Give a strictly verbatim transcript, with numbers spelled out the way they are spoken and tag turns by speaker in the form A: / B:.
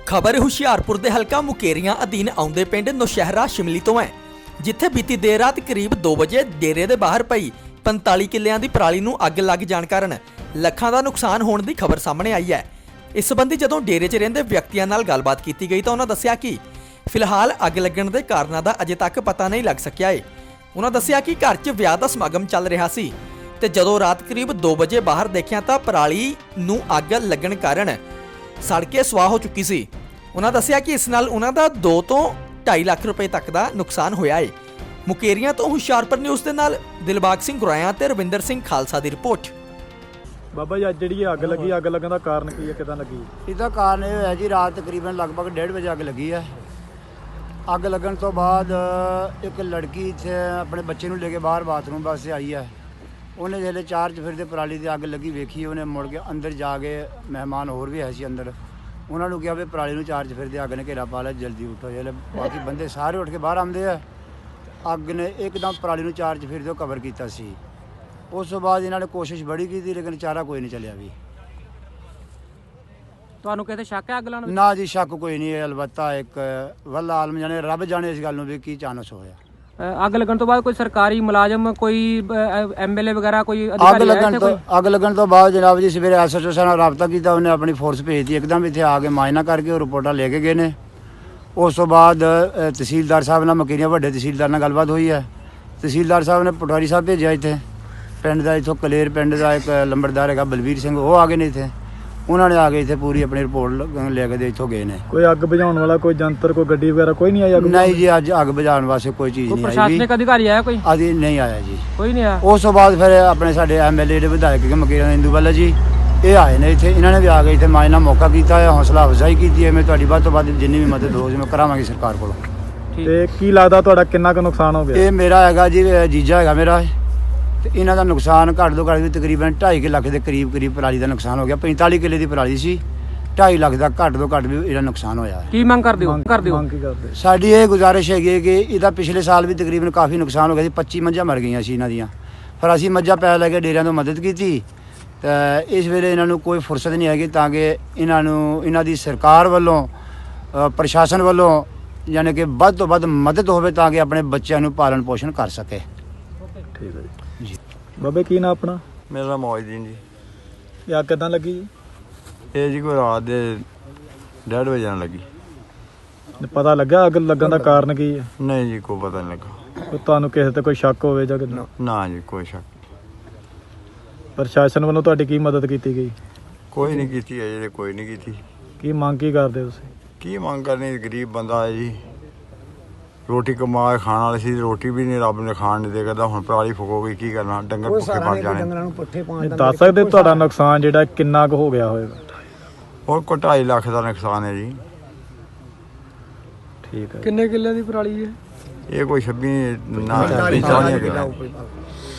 A: खबर हुशियारपुर के हलका मुकेरियां अधीन आउंदे पिंड नौशहरा शिमली तो है, जिथे बीती देर रात करीब दो बजे डेरे के बाहर पई पैंताली किलियां की पराली नूं अग लग जाण कारण ਲੱਖਾਂ का नुकसान होने की खबर सामने आई है। इस संबंधी जदों डेरे च रहिंदे व्यक्तियों नाल गलबात की गई तो उन्होंने दस्सिया कि फिलहाल अग लगण के कारणों का अजे तक पता नहीं लग सकिया है। उन्होंने दस्सिया कि घर च विआह दा समागम चल रहा सी ते जदों रात करीब दो बजे बाहर देखिया तो पराली नूं अग लगण कारण सड़ के स्वाह हो चुकी सी। उन्होंने दस्सिया कि इस नाल उन्हां दा दो तो ढाई लाख रुपए तक का नुकसान होया है। मुकेरियां तो हुशियारपुर न्यूज़ के नाल दिलबाग सिंह गुराया ते रविंदर सिंह खालसा की रिपोर्ट।
B: बाबा जी अज जी अग लगी, अग लगन का कारण की है, किदां लगी?
C: इसका कारण यह है जी, रात तकरीबन लगभग डेढ़ बजे अग लगी है। अग लगन तो बाद एक लड़की इत्थे अपने बच्चे नूं लेके बाहर बाथरूम वास्ते आई है। उन्हें जिसले चार चफेरे पराली की अग लगी वेखी, उन्हें मुड़ के अंदर जाके मेहमान होर भी है सी अंदर, उन्होंने कहा भी पराली नूं चार चफेरे अग ने घेरा पा लिया, जल्दी उठो। जिसले बाकी बंदे सारे उठ के बाहर आते हैं, अग ने एकदम पराली नूं चार चफेरे तो कवर किया सी। उस तो बाद इन्होंने कोशिश बड़ी की थी, लेकिन चारा कोई नहीं चलिया भी।
D: ਤੁਹਾਨੂੰ ਕਿਤੇ ਸ਼ੱਕ ਹੈ ਅੱਗ ਲਾਉਣ ਵਿੱਚ?
C: ना जी शक कोई नहीं है, अलबत्ता एक वल्ला आलम जाने रब जाने इस गल नूं भी की चानस होया।
D: ਅ, ਅੱਗ ਲੱਗਣ ਤੋਂ ਬਾਅਦ ਕੋਈ ਸਰਕਾਰੀ ਮੁਲਾਜ਼ਮ, ਕੋਈ ਐਮਐਲਏ ਵਗੈਰਾ, ਕੋਈ
C: अग
D: ਅਧਿਕਾਰੀ ਆਇਆ
C: लगन
D: ਇੱਥੇ
C: तो
D: ਕੋਈ?
C: अग लगन तो बाद जनाब जी सवेरे एस एच ओ साहब रबता किया, उन्हें अपनी फोर्स भेजती, एकदम इतने आके मायना करके रिपोर्टा लेके गए ने। उस तो बाद अ, तहसीलदार साहब नाल मकीरियां वड्डे तहसीलदार नाल गलबात हुई है। तहसीलदार साहब ने पटवारी साहब भेजा इतने पिंड का, इतों कलेर पिंड का एक लंबड़दार है बलवीर सिंह, वो आ गए ने इतने, उन्होंने आके इतने पूरी अपनी रिपोर्ट लेके इतों गए ने।
B: कोई अग बुझाने वाला कोई जंतर, कोई गड्डी वगैरह कोई नहीं आई? अग
C: नहीं जी, अज अग बुझाने वास्ते कोई चीज़
D: ਕੋਈ
C: नहीं आई
D: ਪ੍ਰਸ਼ਾਸਨਿਕ ਅਧਿਕਾਰੀ ਆਇਆ ਕੋਈ?
C: अभी नहीं आया जी।
D: ਕੋਈ नहीं आया।
C: उस तो बाद फिर अपने साडे एम एल ए विधायक मकीर इंदू वाला जी ये आए ने इतने, इन्होंने भी आ गए इतने मायना मौका किया है, हौसला अफजाई की है। मैं तुहाडी वध तो वध जिन्नी भी मदद हो मैं करावांगी सरकार कोलों।
B: ते की लगदा तुहाडा किन्ना क नुकसान हो गया?
C: ये मेरा हैगा जी, जीजा हैगा मेरा, ते इन्हां दा नुकसान घੱਟ ਤੋਂ ਘੱਟ भी तकरीबन ढाई ਲੱਖ ਦੇ करीब करीब पराली ਦਾ ਨੁਕਸਾਨ ਹੋ ਗਿਆ। पैंताली ਕਿੱਲੇ ਦੀ ਪਰਾਲੀ ਸੀ, ਢਾਈ ਲੱਖ ਦਾ ਘੱਟ ਤੋਂ ਘੱਟ ਵੀ ਇਹਦਾ ਨੁਕਸਾਨ ਹੋਇਆ ਹੈ।
D: ਕੀ ਮੰਗ ਕਰਦੇ ਹੋ? ਕਰਦੇ ਹੋ?
B: ਮੰਗ ਕੀ ਕਰਦੇ?
C: ਸਾਡੀ ਇਹ ਗੁਜ਼ਾਰਿਸ਼ ਹੈਗੀ ਹੈ ਕਿ ਇਹਦਾ ਪਿਛਲੇ ਸਾਲ ਵੀ ਤਕਰੀਬਨ ਕਾਫੀ ਨੁਕਸਾਨ ਹੋ ਗਿਆ ਸੀ, ਪੱਚੀ ਮੱਝਾਂ ਮਰ ਗਈਆਂ ਸੀ ਇਹਨਾਂ ਦੀਆਂ। ਪਰ ਅਸੀਂ ਮੱਝਾਂ ਪੈ ਲੈ ਕੇ ਡੇਰਿਆਂ ਤੋਂ ਮਦਦ ਕੀਤੀ ਤਾਂ ਇਸ ਵੇਲੇ ਇਹਨਾਂ ਨੂੰ ਕੋਈ ਫੁਰਸਤ ਨਹੀਂ ਹੈਗੀ, ਤਾਂ ਕਿ ਇਹਨਾਂ ਨੂੰ ਇਹਨਾਂ ਦੀ ਸਰਕਾਰ ਵੱਲੋਂ ਅ, ਪ੍ਰਸ਼ਾਸਨ ਵੱਲੋਂ ਯਾਨੀ ਕਿ ਵੱਧ ਤੋਂ ਵੱਧ ਮਦਦ ਹੋਵੇ, ਤਾਂ ਕਿ ਆਪਣੇ ਬੱਚਿਆਂ ਨੂੰ ਪਾਲਣ ਪੋਸ਼ਣ ਕਰ ਸਕੇ।
B: ਠੀਕ ਹੈ ਜੀ। ਬਾਬੇ ਕੀ ਨਾ ਆਪਣਾ?
E: ਮੇਰਾ ਨਾਮ ਮੌਜਦੀਨ ਜੀ।
B: ਇਹ ਅੱਗ ਕਿਦਾਂ ਲੱਗੀ ਜੀ?
E: ਇਹ ਜੀ ਕੋਈ ਰਾਤ ਦੇ ਡੇਢ ਵਜੇ ਨਾਲ ਲੱਗੀ।
B: ਪਤਾ ਲੱਗਾ ਅੱਗ ਲੱਗਣ ਦਾ ਕਾਰਨ ਕੀ ਹੈ?
E: ਨਹੀਂ ਜੀ ਕੋਈ ਪਤਾ ਨਹੀਂ ਲੱਗਾ।
B: ਕੋਈ ਤੁਹਾਨੂੰ ਕਿਸੇ ਤੇ ਕੋਈ ਸ਼ੱਕ ਹੋਵੇ ਜਾਂ ਕਿੱਦਾਂ?
E: ਨਾ ਜੀ ਕੋਈ ਸ਼ੱਕ
B: ਪ੍ਰਸ਼ਾਸਨ ਵੱਲੋਂ ਤੁਹਾਡੀ ਕੀ ਮਦਦ ਕੀਤੀ ਗਈ?
E: ਕੋਈ ਨਹੀਂ ਕੀਤੀ ਹੈ ਜੀ, ਕੋਈ ਨਹੀਂ ਕੀਤੀ।
B: ਕੀ ਮੰਗ ਕੀ ਕਰਦੇ ਤੁਸੀਂ?
E: ਕੀ ਮੰਗ ਕਰਨੀ, ਗਰੀਬ ਬੰਦਾ ਹੈ ਜੀ, ਰੋਟੀ ਕਮਾ ਕੇ ਖਾਣ ਵਾਲੀ ਸੀ, ਰੋਟੀ ਵੀ ਨਹੀਂ ਰੱਬ ਨੇ ਖਾਣ ਨਹੀਂ ਦੇ ਕਰਦਾ। ਹੁਣ ਪਰਾਲੀ ਫੁਕੋ ਗਈ, ਕੀ ਕਰਨਾ, ਡੰਗਰ ਭੁੱਖੇ ਮਰ ਜਾਣੇ।
B: ਇਹ ਦੱਸ ਸਕਦੇ ਤੁਹਾਡਾ ਨੁਕਸਾਨ ਜਿਹੜਾ ਕਿੰਨਾ ਕੁ ਹੋ ਗਿਆ ਹੋਵੇਗਾ?
E: ਹੋਰ ਕੋਈ ਢਾਈ ਲੱਖ ਦਾ ਨੁਕਸਾਨ ਹੈ ਜੀ।
B: ਠੀਕ ਹੈ।
D: ਕਿੰਨੇ ਕਿੱਲੇ ਦੀ ਪਰਾਲੀ ਹੈ?
E: ਇਹ ਕੋਈ ਛੱਬੀ ਨਾ ਚਾਲੀਆਂ ਕਿੱਲੇ।